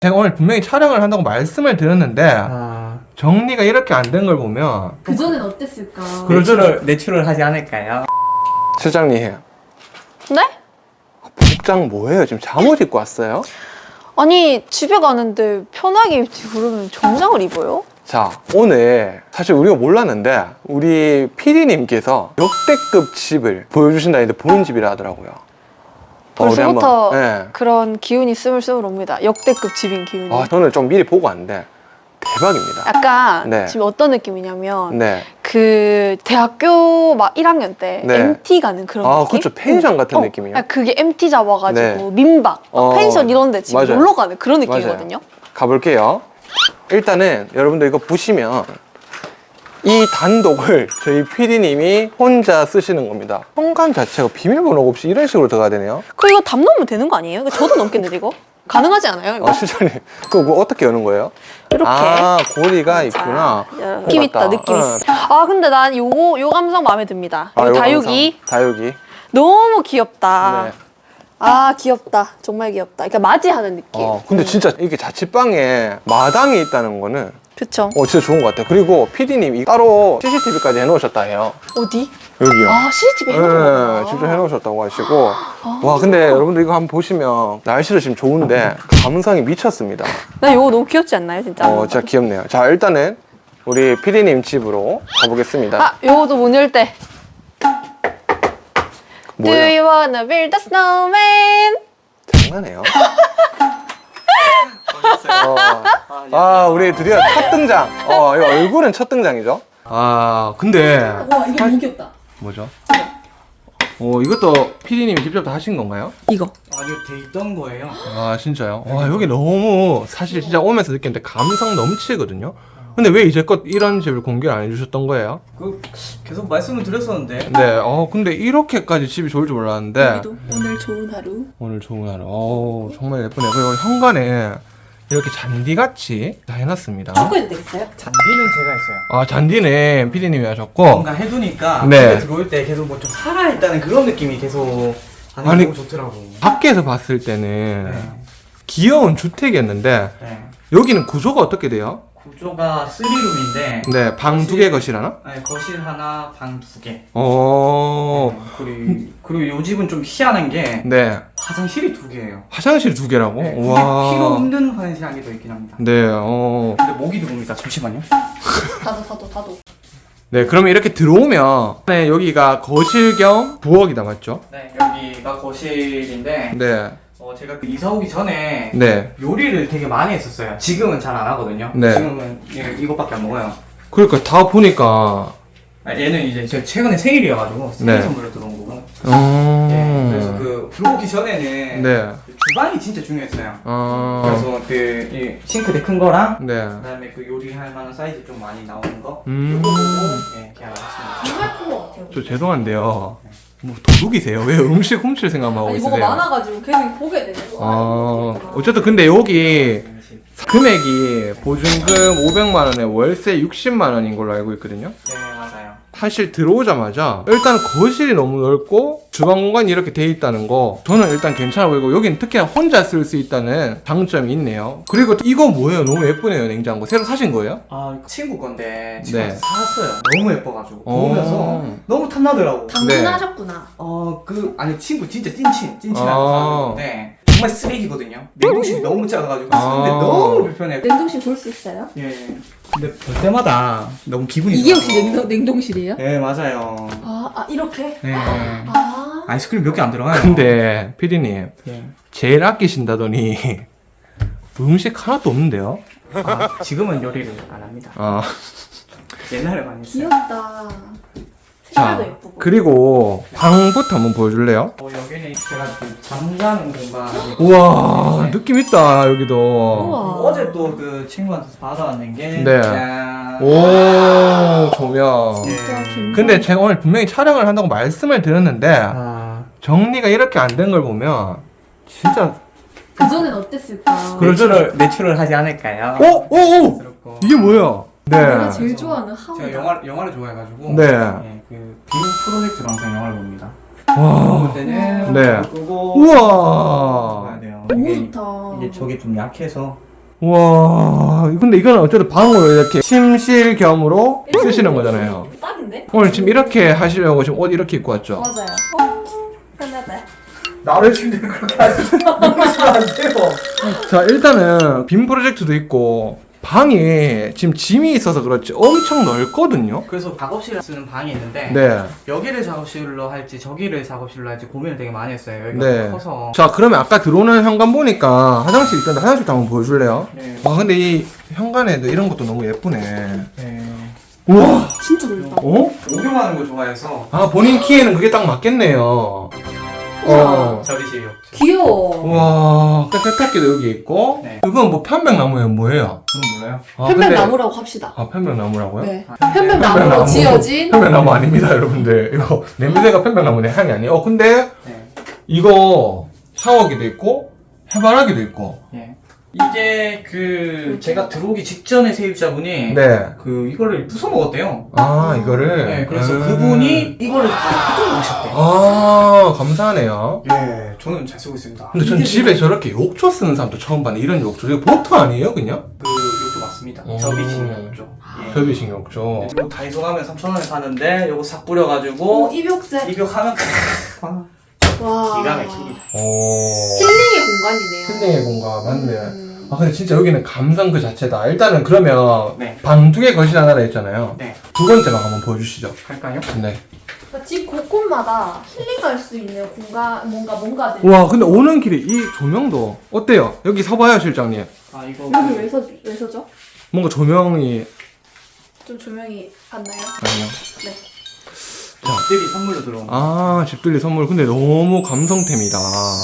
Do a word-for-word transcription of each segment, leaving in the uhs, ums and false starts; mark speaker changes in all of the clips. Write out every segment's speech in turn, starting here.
Speaker 1: 제가 오늘 분명히 촬영을 한다고 말씀을 드렸는데
Speaker 2: 아,
Speaker 1: 정리가 이렇게 안 된 걸 보면
Speaker 3: 그전엔 어땠을까?
Speaker 2: 내추럴, 내추럴하지 않을까요?
Speaker 1: 실장님
Speaker 4: 네?
Speaker 1: 복장 뭐예요? 지금 잠옷 입고 왔어요?
Speaker 4: 아니 집에 가는데 편하게 입지 그러면 정장을 입어요?
Speaker 1: 자, 오늘 사실 우리가 몰랐는데 우리 피디님께서 역대급 집을 보여주신다 했는데 보는 집이라 하더라고요. 어, 우리
Speaker 4: 벌써부터
Speaker 1: 한번, 네.
Speaker 4: 그런 기운이 스물스물 옵니다. 역대급 집인 기운이.
Speaker 1: 아, 저는 좀 미리 보고 왔는데 대박입니다.
Speaker 4: 약간
Speaker 1: 네.
Speaker 4: 지금 어떤 느낌이냐면
Speaker 1: 네.
Speaker 4: 그 대학교 막 일 학년 때
Speaker 1: 네.
Speaker 4: 엠티 가는 그런
Speaker 1: 아,
Speaker 4: 느낌?
Speaker 1: 그렇죠. 펜션 같은
Speaker 4: 어,
Speaker 1: 느낌이요.
Speaker 4: 아, 그게 엠티 잡아가지고
Speaker 1: 네.
Speaker 4: 민박, 막
Speaker 1: 어,
Speaker 4: 펜션 이런 데 지금
Speaker 1: 맞아요.
Speaker 4: 놀러 가는 그런 느낌이거든요.
Speaker 1: 가볼게요. 일단은 여러분들 이거 보시면 이 단독을 저희 피디님이 혼자 쓰시는 겁니다. 현관 자체가 비밀번호 없이 이런 식으로 들어가야 되네요.
Speaker 4: 그 이거 담 넣으면 되는 거 아니에요? 이거 저도 넘겠는데 이거? 가능하지 않아요 이거?
Speaker 1: 아, 실장님. 그거 뭐 어떻게 여는 거예요?
Speaker 4: 이렇게.
Speaker 1: 아, 고리가 있구나.
Speaker 4: 자, 느낌 있다,
Speaker 1: 맞다.
Speaker 4: 느낌
Speaker 1: 응.
Speaker 4: 있어. 아 근데 난 요거 요 감성 마음에 듭니다.
Speaker 1: 아,
Speaker 4: 요
Speaker 1: 요거
Speaker 4: 다육이
Speaker 1: 감성. 다육이.
Speaker 4: 너무 귀엽다.
Speaker 1: 네.
Speaker 4: 아 귀엽다, 정말 귀엽다. 그러니까 맞이하는 느낌.
Speaker 1: 어, 근데 진짜 이게 자취방에 마당이 있다는 거는
Speaker 4: 그쵸?
Speaker 1: 어, 진짜 좋은 것 같아요. 그리고 피디님이 따로 씨씨티비까지 해놓으셨다 해요.
Speaker 4: 어디?
Speaker 1: 여기요.
Speaker 4: 아 씨집에
Speaker 1: 네,
Speaker 4: 해놓은
Speaker 1: 직접 해놓으셨다고 하시고. 와, 근데 여러분들 이거 한번 보시면 날씨도 지금 좋은데 감성이 미쳤습니다.
Speaker 4: 나 요거 너무 귀엽지 않나요 진짜?
Speaker 1: 어, 진짜 귀엽네요. 자, 일단은 우리 피디님 집으로 가보겠습니다.
Speaker 4: 아 요거도 문 열 때. Do
Speaker 1: 뭐예요?
Speaker 4: you wanna build a snowman?
Speaker 1: 장난해요? 어, 아, 우리 드디어 첫 등장. 어, 이 얼굴은 첫 등장이죠? 아, 근데
Speaker 3: 와 이거 너무 귀엽다.
Speaker 1: 뭐죠? 어, 이것도 피디님이 직접 다 하신 건가요?
Speaker 4: 이거.
Speaker 2: 아니요, 돼 있던 거예요.
Speaker 1: 아, 진짜요? 와, 여기 너무 사실 진짜 오면서 느꼈는데 감성 넘치거든요? 근데 왜 이제껏 이런 집을 공개를 안 해주셨던 거예요?
Speaker 2: 그 계속 말씀을 드렸었는데.
Speaker 1: 네, 어, 근데 이렇게까지 집이 좋을 줄 몰랐는데
Speaker 3: 여기도 오늘 좋은 하루.
Speaker 1: 오늘 좋은 하루. 어, 정말 예쁘네요. 그리고 현관에 이렇게 잔디같이 다 해놨습니다.
Speaker 3: 초코해도 되겠어요?
Speaker 2: 잔디는 제가 했어요.
Speaker 1: 아, 잔디는 피디님이 하셨고.
Speaker 2: 뭔가 해두니까
Speaker 1: 네.
Speaker 2: 집에 들어올 때 계속 뭐 좀 살아있다는 그런 느낌이 계속 하는 게
Speaker 1: 아니,
Speaker 2: 너무 좋더라고.
Speaker 1: 밖에서 봤을 때는
Speaker 2: 네.
Speaker 1: 귀여운 주택이었는데
Speaker 2: 네.
Speaker 1: 여기는 구조가 어떻게 돼요?
Speaker 2: 구조가 쓰리룸인데
Speaker 1: 네, 방 두 개 거실 하나?
Speaker 2: 네, 거실 하나, 방 두 개.
Speaker 1: 어,
Speaker 2: 네, 그리고 그리고 요 집은 좀 희한한 게
Speaker 1: 네.
Speaker 2: 화장실이 두 개예요.
Speaker 1: 화장실 두 개라고?
Speaker 2: 네, 굳이
Speaker 1: 와.
Speaker 2: 필요 없는 화장실 한 개 더 있긴 합니다.
Speaker 1: 네, 어.
Speaker 2: 근데 목이 들어옵니다. 잠시만요.
Speaker 3: 다도 다도 다도.
Speaker 1: 네, 그러면 이렇게 들어오면 네, 여기가 거실 겸 부엌이다, 맞죠?
Speaker 2: 네, 여기가 거실인데
Speaker 1: 네.
Speaker 2: 어, 제가 그 이사 오기 전에
Speaker 1: 네.
Speaker 2: 요리를 되게 많이 했었어요. 지금은 잘 안 하거든요.
Speaker 1: 네.
Speaker 2: 지금은 예, 이것밖에 안 먹어요.
Speaker 1: 그러니까 다 보니까
Speaker 2: 아, 얘는 이제 제 최근에 생일이어가지고 생일
Speaker 1: 네.
Speaker 2: 선물로 들어온 거고.
Speaker 1: 어.
Speaker 2: 네, 그래서 그 들어오기 전에는
Speaker 1: 네.
Speaker 2: 그 주방이 진짜 중요했어요.
Speaker 1: 어.
Speaker 2: 그래서 그 이 싱크대 큰 거랑
Speaker 1: 네.
Speaker 2: 그다음에 그 요리할 만한 사이즈 좀 많이 나오는 거
Speaker 1: 음.
Speaker 2: 이거 보고 예, 계약을 했습니다.
Speaker 3: 정말 큰 것 같아요.
Speaker 1: 저 죄송한데요. 뭐 도둑이세요? 왜 음식 훔칠 생각만 하고
Speaker 3: 아니
Speaker 1: 있으세요?
Speaker 3: 뭐가 많아가지고 계속 보게 되는 거.
Speaker 1: 어, 어쨌든 근데 여기 금액이 보증금 오백만 원에 월세 육십만 원인 걸로 알고 있거든요.
Speaker 2: 네, 맞아요.
Speaker 1: 사실 들어오자마자 일단 거실이 너무 넓고 주방 공간이 이렇게 돼 있다는 거 저는 일단 괜찮아 보이고 여긴 특히나 혼자 쓸 수 있다는 장점이 있네요. 그리고 이거 뭐예요? 너무 예쁘네요. 냉장고 새로 사신 거예요?
Speaker 2: 아, 친구 건데
Speaker 1: 네.
Speaker 2: 친구한테 사왔어요. 너무 예뻐가지고
Speaker 1: 어.
Speaker 2: 보면서 너무 탐나더라고.
Speaker 3: 당근하셨구나.
Speaker 2: 어, 그 아니 친구 진짜 찐친 찐친한
Speaker 1: 아.
Speaker 2: 사람인데 정말 쓰레기거든요. 냉동실이 너무 작아가지고
Speaker 1: 아.
Speaker 2: 쓰는데 너무 불편해.
Speaker 3: 냉동실 볼 수 있어요?
Speaker 2: 예. 근데 볼 때마다 너무 기분이
Speaker 3: 이게
Speaker 2: 좋아서.
Speaker 3: 혹시 냉동 냉동실이에요?
Speaker 2: 네, 맞아요.
Speaker 3: 아, 아 이렇게?
Speaker 2: 네.
Speaker 3: 아.
Speaker 2: 아이스크림 몇 개 안 들어가요.
Speaker 1: 근데 피디님
Speaker 2: 예.
Speaker 1: 제일 아끼신다더니 음식 하나도 없는데요?
Speaker 2: 아, 지금은 요리를 안 합니다.
Speaker 1: 아,
Speaker 2: 옛날에 많이 했어요.
Speaker 3: 귀엽다.
Speaker 1: 자
Speaker 3: 색깔도 예쁘고.
Speaker 1: 그리고 방부터 한번 보여줄래요?
Speaker 2: 어, 여기는 제가 그 잠자는 공간이
Speaker 1: 우와
Speaker 2: 네.
Speaker 1: 느낌 있다 여기도.
Speaker 3: 우와.
Speaker 2: 어제 또 그 친구한테 받아왔는 게
Speaker 1: 네.
Speaker 2: 짠.
Speaker 1: 오 조명.
Speaker 3: 진짜
Speaker 2: 예.
Speaker 3: 김.
Speaker 1: 근데 제가 오늘 분명히 촬영을 한다고 말씀을 드렸는데
Speaker 2: 아,
Speaker 1: 정리가 이렇게 안 된 걸 보면 진짜
Speaker 3: 그전엔 어땠을까?
Speaker 1: 그럴 줄-
Speaker 2: 내추럴, 내추럴하지 않을까요?
Speaker 1: 오! 오! 오!
Speaker 2: 그렇고.
Speaker 1: 이게 뭐야?
Speaker 3: 내가
Speaker 1: 네.
Speaker 3: 제일 좋아하는
Speaker 2: 제가
Speaker 3: 하우다.
Speaker 2: 영화, 영화를 좋아해가지고
Speaker 1: 네.
Speaker 2: 예, 그 비밀 프로젝트로 항상 영화를 봅니다.
Speaker 1: 와.
Speaker 2: 볼 때는
Speaker 1: 네.
Speaker 2: 끄고
Speaker 1: 우와.
Speaker 2: 봐야 돼요.
Speaker 3: 너무
Speaker 2: 이게,
Speaker 3: 좋다.
Speaker 2: 이게 저게 좀 약해서
Speaker 1: 와, 근데 이거는 어쨌든 방으로 이렇게 침실 겸으로 쓰시는 거잖아요.
Speaker 3: 딱인데?
Speaker 1: 오늘 지금 이렇게 하시려고 지금 옷 이렇게 입고 왔죠?
Speaker 3: 맞아요. 어? 편하다.
Speaker 2: 나를 침대를 그렇게 하시면 안 돼요.
Speaker 1: 자, 일단은 빔 프로젝트도 있고 방이 지금 짐이 있어서 그렇지 엄청 넓거든요.
Speaker 2: 그래서 작업실을 쓰는 방이 있는데
Speaker 1: 네.
Speaker 2: 여기를 작업실로 할지 저기를 작업실로 할지 고민을 되게 많이 했어요. 여기가
Speaker 1: 네.
Speaker 2: 커서.
Speaker 1: 자, 그러면 아까 들어오는 현관 보니까 화장실 있던데 화장실도 한번 보여줄래요?
Speaker 2: 네.
Speaker 1: 와, 근데 이 현관에도 이런 것도 너무 예쁘네.
Speaker 2: 네.
Speaker 1: 우와.
Speaker 3: 진짜 넓다.
Speaker 1: 어?
Speaker 2: 목욕하는 거 좋아해서
Speaker 1: 아, 본인 키에는 그게 딱 맞겠네요. 어.
Speaker 2: 접이실이 없죠.
Speaker 3: 귀여워.
Speaker 1: 와, 그 세탁기도 여기 있고.
Speaker 2: 네.
Speaker 1: 그건 뭐 편백나무예요, 뭐예요?
Speaker 2: 저는 몰라요.
Speaker 1: 아, 근데-
Speaker 3: 편백나무라고 합시다.
Speaker 1: 아, 편백나무라고요?
Speaker 3: 네.
Speaker 2: 아,
Speaker 3: 편백나무로
Speaker 1: 편백나무.
Speaker 3: 지어진
Speaker 1: 편백나무 아닙니다, 여러분들. 이거 냄새가 편백나무 내 향이 아니에요. 어, 근데
Speaker 2: 네.
Speaker 1: 이거 샤워기도 있고 해바라기도 있고.
Speaker 2: 예. 이게 그 제가 들어오기 직전에 세입자분이
Speaker 1: 네.
Speaker 2: 그 이거를 부숴 먹었대요.
Speaker 1: 아, 이거를.
Speaker 2: 네, 그래서
Speaker 1: 음.
Speaker 2: 그분이 이거를 다 뜯어 먹으셨대요.
Speaker 1: 아, 감사하네요.
Speaker 2: 예, 저는 잘 쓰고 있습니다.
Speaker 1: 근데 전 집에 저렇게 욕조 쓰는 사람도 처음 봤네. 이런 욕조. 이거 보트 아니에요, 그냥?
Speaker 2: 그 욕조 맞습니다.
Speaker 1: 오.
Speaker 2: 접이식 욕조. 예.
Speaker 1: 접이식 욕조.
Speaker 2: 이거 다이소 가면 삼천 원에 사는데 요거 싹 뿌려가지고
Speaker 3: 오, 입욕제.
Speaker 2: 입욕하면
Speaker 3: 와.
Speaker 2: 기가 막힙니다.
Speaker 1: 오.
Speaker 3: 힐링의 공간이네요.
Speaker 1: 힐링의 공간, 맞네.
Speaker 3: 음.
Speaker 1: 아, 근데 진짜 여기는 감성 그 자체다. 일단은 그러면
Speaker 2: 네.
Speaker 1: 방 두 개 거실 하나라 했잖아요.
Speaker 2: 네.
Speaker 1: 두 번째 방 한번 보여주시죠.
Speaker 2: 할까요?
Speaker 1: 네.
Speaker 3: 그러니까 집 곳곳마다 힐링 갈 수 있는 공간, 뭔가, 뭔가들.
Speaker 1: 와, 근데 오는 길에 이 조명도 어때요? 여기 서봐요, 실장님.
Speaker 2: 아 이거
Speaker 3: 여기
Speaker 2: 그
Speaker 3: 왜, 서, 왜 서죠?
Speaker 1: 뭔가 조명이
Speaker 3: 좀 조명이 봤나요?
Speaker 1: 아니요.
Speaker 3: 네.
Speaker 2: 집들이 선물로 들어온 거.
Speaker 1: 아, 집들이 선물. 근데 너무 감성템이다.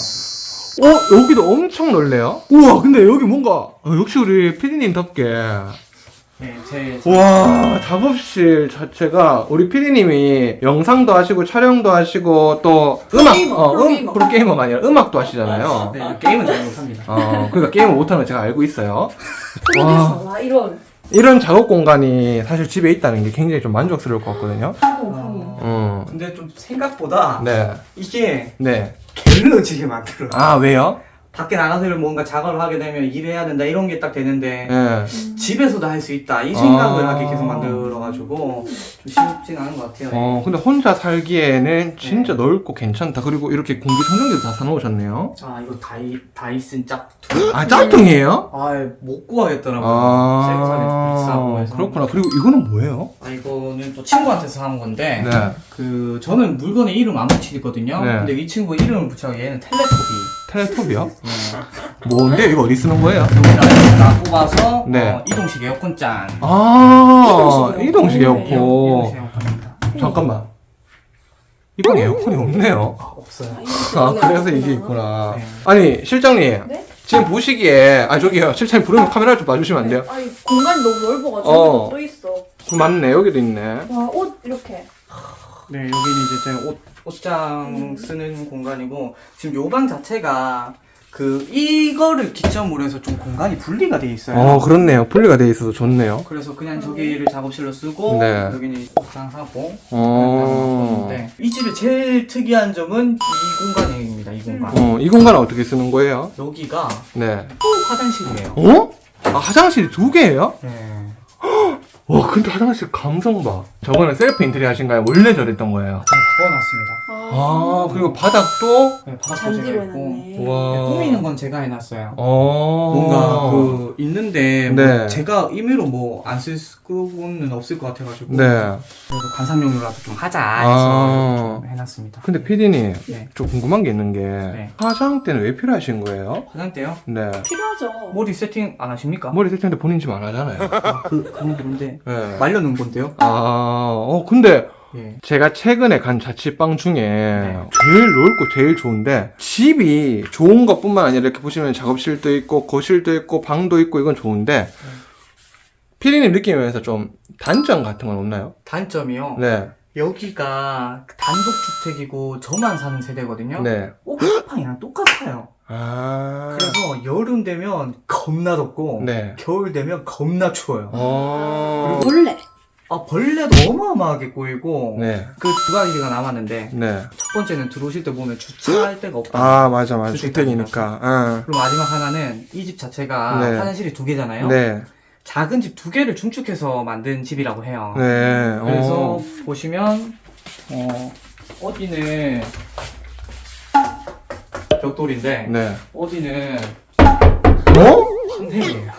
Speaker 1: 어, 여기도 엄청 넓네요. 우와, 근데 여기 뭔가 어, 역시 우리 피디님답게.
Speaker 2: 네, 제
Speaker 1: 와, 작업실 자체가 우리 피디님이 영상도 하시고 촬영도 하시고 또 음악,
Speaker 3: 프로게이머,
Speaker 1: 어, 음,
Speaker 3: 프로게이머.
Speaker 1: 프로게이머가 아니라 음악도 하시잖아요.
Speaker 2: 네, 게임은 잘 못합니다.
Speaker 1: 어, 그러니까 게임을 못하는 거 제가 알고 있어요.
Speaker 3: 프로듀서. 와, 이런.
Speaker 1: 이런 작업 공간이 사실 집에 있다는 게 굉장히 좀 만족스러울 것 같거든요.
Speaker 3: 한국, 한국.
Speaker 1: 음,
Speaker 2: 근데 좀 생각보다
Speaker 1: 네,
Speaker 2: 이게
Speaker 1: 네.
Speaker 2: 게을러지게 만들어요.
Speaker 1: 아, 왜요?
Speaker 2: 밖에 나가서 뭔가 작업을 하게 되면 일해야 된다 이런 게 딱 되는데
Speaker 1: 네.
Speaker 2: 집에서도 할 수 있다 이 생각을
Speaker 1: 아.
Speaker 2: 하게 계속 만들어가지고 좀 쉽진 않은 것 같아요.
Speaker 1: 어, 근데 혼자 살기에는 진짜 넓고 괜찮다. 그리고 이렇게 공기청정기도 다 사놓으셨네요.
Speaker 2: 아 이거 다이 다이슨 짝퉁.
Speaker 1: 아, 짝퉁이에요?
Speaker 2: 아못 구하겠더라고요.
Speaker 1: 아,
Speaker 2: 세부산에 비싸고 해서.
Speaker 1: 그렇구나. 그리고 이거는 뭐예요?
Speaker 2: 아 이거는 또 친구한테 사온 건데
Speaker 1: 네.
Speaker 2: 그 저는 물건에 이름 안 붙이거든요.
Speaker 1: 네.
Speaker 2: 근데 이 친구 이름을 붙여서 얘는 텔레토비.
Speaker 1: 텔레톱이요?
Speaker 2: 네.
Speaker 1: 뭔데? 이거 어디 쓰는 거예요?
Speaker 2: 여기다 다 뽑아서
Speaker 1: 네.
Speaker 2: 어, 이동식 에어컨 짠.
Speaker 1: 아,
Speaker 3: 이동식
Speaker 1: 이동식
Speaker 3: 에어컨.
Speaker 1: 에어컨.
Speaker 2: 이동식 에어컨입니다.
Speaker 1: 잠깐만. 이건 에어컨이 없네요.
Speaker 2: 아 없어요.
Speaker 1: 아, 그래서 이게 있구나.
Speaker 2: 네.
Speaker 1: 아니, 실장님.
Speaker 3: 네?
Speaker 1: 지금 보시기에, 아, 저기요. 실장님 부르면 카메라 좀 봐주시면 안 돼요?
Speaker 3: 아니, 공간이 너무 넓어가지고
Speaker 1: 어.
Speaker 3: 또 있어.
Speaker 1: 맞네. 여기도 있네.
Speaker 3: 와, 옷 이렇게.
Speaker 2: 네, 여기는 이제 제 옷, 옷장 쓰는 공간이고, 지금 요 방 자체가, 그, 이거를 기점으로 해서 좀 공간이 분리가 돼 있어요.
Speaker 1: 어, 그렇네요. 분리가 돼 있어서 좋네요.
Speaker 2: 그래서 그냥 저기를 작업실로 쓰고,
Speaker 1: 네.
Speaker 2: 여기는 옷장 하고,
Speaker 1: 어.
Speaker 2: 네. 이 집의 제일 특이한 점은 이 공간입니다, 이 공간.
Speaker 1: 어, 이 공간은 어떻게 쓰는 거예요?
Speaker 2: 여기가
Speaker 1: 네.
Speaker 2: 화장실이에요.
Speaker 1: 어? 아, 화장실이 두 개예요?
Speaker 2: 네.
Speaker 1: 와, 근데 화장실 감성 봐. 저거는 셀프 인테리어 하신가요? 원래 저랬던 거예요.
Speaker 2: 잘 바꿔놨습니다.
Speaker 1: 아, 그리고 바닥도?
Speaker 2: 네, 바닥도
Speaker 3: 잔디로
Speaker 2: 제가 했고,
Speaker 3: 해놨네.
Speaker 1: 와.
Speaker 2: 네, 꾸미는 건 제가 해놨어요.
Speaker 1: 어.
Speaker 2: 뭔가 그 있는데 뭐
Speaker 1: 네.
Speaker 2: 제가 임의로 뭐 안 쓸 수는 없을 것 같아가지고
Speaker 1: 네.
Speaker 2: 그래도 관상용으로라도 좀 하자
Speaker 1: 아.
Speaker 2: 해서 좀 해놨습니다.
Speaker 1: 근데 피디님,
Speaker 2: 네.
Speaker 1: 좀 궁금한 게 있는 게,
Speaker 2: 네.
Speaker 1: 화장대는 왜 필요하신 거예요?
Speaker 2: 화장대요?
Speaker 1: 네.
Speaker 3: 필요하죠.
Speaker 2: 머리 세팅 안 하십니까?
Speaker 1: 머리 세팅인데 본인 집 안 하잖아요.
Speaker 2: 아, 그 그건 그런데
Speaker 1: 네.
Speaker 2: 말려놓은 건데요?
Speaker 1: 아, 어, 근데
Speaker 2: 예.
Speaker 1: 제가 최근에 간 자취방 중에
Speaker 2: 네.
Speaker 1: 제일 넓고 제일 좋은데 집이 좋은 것뿐만 아니라 이렇게 보시면 작업실도 있고 거실도 있고 방도 있고 이건 좋은데 피디님 느낌에서 좀 단점 같은 건 없나요?
Speaker 2: 단점이요.
Speaker 1: 네.
Speaker 2: 여기가 단독주택이고 저만 사는 세대거든요.
Speaker 1: 네.
Speaker 2: 옥탑방이랑 똑같아요.
Speaker 1: 아.
Speaker 2: 그래서 여름 되면 겁나 덥고
Speaker 1: 네.
Speaker 2: 겨울 되면 겁나 추워요.
Speaker 1: 어.
Speaker 3: 원래.
Speaker 2: 아, 벌레도 어마어마하게 꼬이고
Speaker 1: 네.
Speaker 2: 그 두 가지가 남았는데
Speaker 1: 네.
Speaker 2: 첫 번째는 들어오실 때 보면 주차할 데가 없다.
Speaker 1: 아, 맞아, 맞아.
Speaker 2: 주택이니까.
Speaker 1: 주택이니까.
Speaker 2: 그리고 마지막 하나는 이 집 자체가
Speaker 1: 네.
Speaker 2: 화장실이 두 개잖아요.
Speaker 1: 응. 네.
Speaker 2: 작은 집 두 개를 중축해서 만든 집이라고 해요.
Speaker 1: 네.
Speaker 2: 그래서
Speaker 1: 어.
Speaker 2: 보시면 어, 어디는 벽돌인데
Speaker 1: 네.
Speaker 2: 어디는
Speaker 1: 어?
Speaker 2: 황색이에요.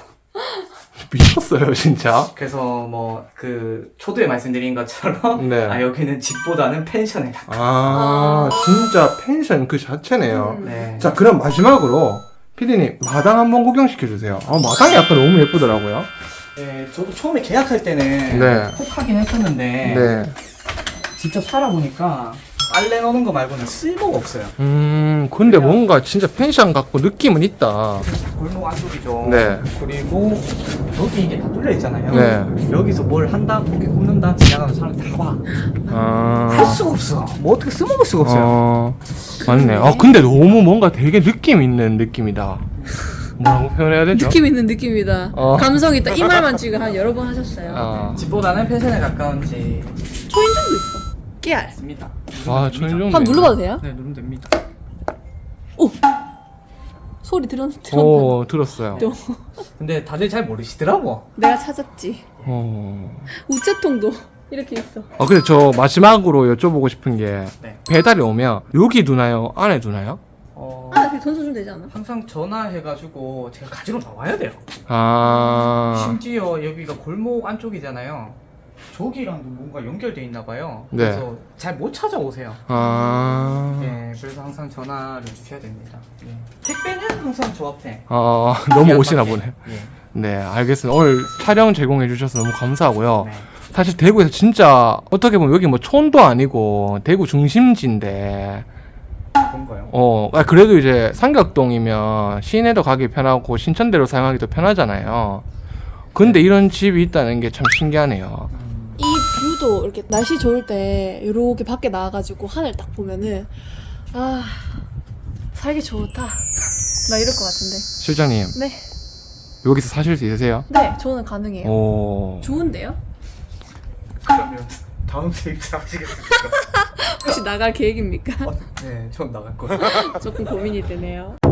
Speaker 1: 미쳤어요, 진짜.
Speaker 2: 그래서 뭐 그 초두에 말씀드린 것처럼
Speaker 1: 네.
Speaker 2: 아 여기는 집보다는 펜션에 가까워.
Speaker 1: 아,
Speaker 3: 아.
Speaker 1: 진짜 펜션 그 자체네요.
Speaker 3: 음.
Speaker 2: 네.
Speaker 1: 자, 그럼 마지막으로 피디님 마당 한번 구경시켜주세요. 아, 마당이 약간 너무 예쁘더라고요.
Speaker 2: 네, 저도 처음에 계약할 때는
Speaker 1: 네.
Speaker 2: 혹하긴 했었는데
Speaker 1: 네.
Speaker 2: 직접 살아보니까 빨래 넣는 거 말고는 쓸모가 없어요.
Speaker 1: 음, 근데 뭔가 진짜 펜션 같고 느낌은 있다.
Speaker 2: 골목 안쪽이죠.
Speaker 1: 네.
Speaker 2: 그리고 여기 이게 다 뚫려 있잖아요.
Speaker 1: 네.
Speaker 2: 여기서 뭘 한다, 고기 굽는다, 지나가는 사람 다 봐. 할
Speaker 1: 아.
Speaker 2: 수가 없어. 뭐 어떻게 써먹을 수가 없어요.
Speaker 1: 어, 맞네. 아, 근데 너무 뭔가 되게 느낌 있는 느낌이다. 뭐라고 표현해야 되죠?
Speaker 5: 느낌 있는 느낌이다.
Speaker 1: 어.
Speaker 5: 감성 있다. 이 말만 지금 한 여러 번 하셨어요.
Speaker 1: 아,
Speaker 2: 집보다는 펜션에 가까운 집
Speaker 5: 초인종도 있어. 깨알.
Speaker 2: 있습니다.
Speaker 1: 와, 초인종.
Speaker 5: 한번 눌러봐도 돼요?
Speaker 2: 네, 누르면 됩니다.
Speaker 5: 오! 소리 들었, 들었나?
Speaker 1: 오, 들었어요.
Speaker 5: 또.
Speaker 2: 근데 다들 잘 모르시더라고.
Speaker 5: 내가 찾았지.
Speaker 1: 어.
Speaker 5: 우체통도 이렇게 있어.
Speaker 1: 아, 근데 저 마지막으로 여쭤보고 싶은 게
Speaker 2: 네.
Speaker 1: 배달이 오면 여기 두나요? 안에 두나요?
Speaker 2: 어,
Speaker 5: 아, 그냥 돈 써주면 되지 않아?
Speaker 2: 항상 전화해가지고 제가 가지러 나와야 돼요.
Speaker 1: 아,
Speaker 2: 심지어 여기가 골목 안쪽이잖아요. 저기랑도 뭔가 연결돼 있나 봐요.
Speaker 1: 네.
Speaker 2: 그래서 잘 못 찾아오세요.
Speaker 1: 아,
Speaker 2: 예, 그래서 항상 전화를 주셔야 됩니다. 예. 택배는 항상 저 앞에.
Speaker 1: 아, 너무 오시나 보네.
Speaker 2: 예.
Speaker 1: 네, 알겠습니다. 오늘 촬영 제공해 주셔서 너무 감사하고요.
Speaker 2: 네.
Speaker 1: 사실 대구에서 진짜 어떻게 보면 여기 뭐 촌도 아니고 대구 중심지인데
Speaker 2: 그런가요?
Speaker 1: 어 아, 그래도 이제 삼각동이면 시내도 가기 편하고 신천대로 사용하기도 편하잖아요. 근데 이런 집이 있다는 게 참 신기하네요.
Speaker 5: 이 뷰도 이렇게 날씨 좋을 때 이렇게 밖에 나와가지고 하늘 딱 보면은 아 살기 좋다. 나 이럴 것 같은데.
Speaker 1: 실장님
Speaker 5: 네.
Speaker 1: 여기서 사실 수 있으세요?
Speaker 5: 네, 저는 가능해요.
Speaker 1: 오.
Speaker 5: 좋은데요?
Speaker 2: 그러면 다음 세입자 하시겠습니까?
Speaker 5: 혹시 나갈 계획입니까?
Speaker 2: 네, 전 나갈 거예요.
Speaker 5: 조금 고민이 되네요.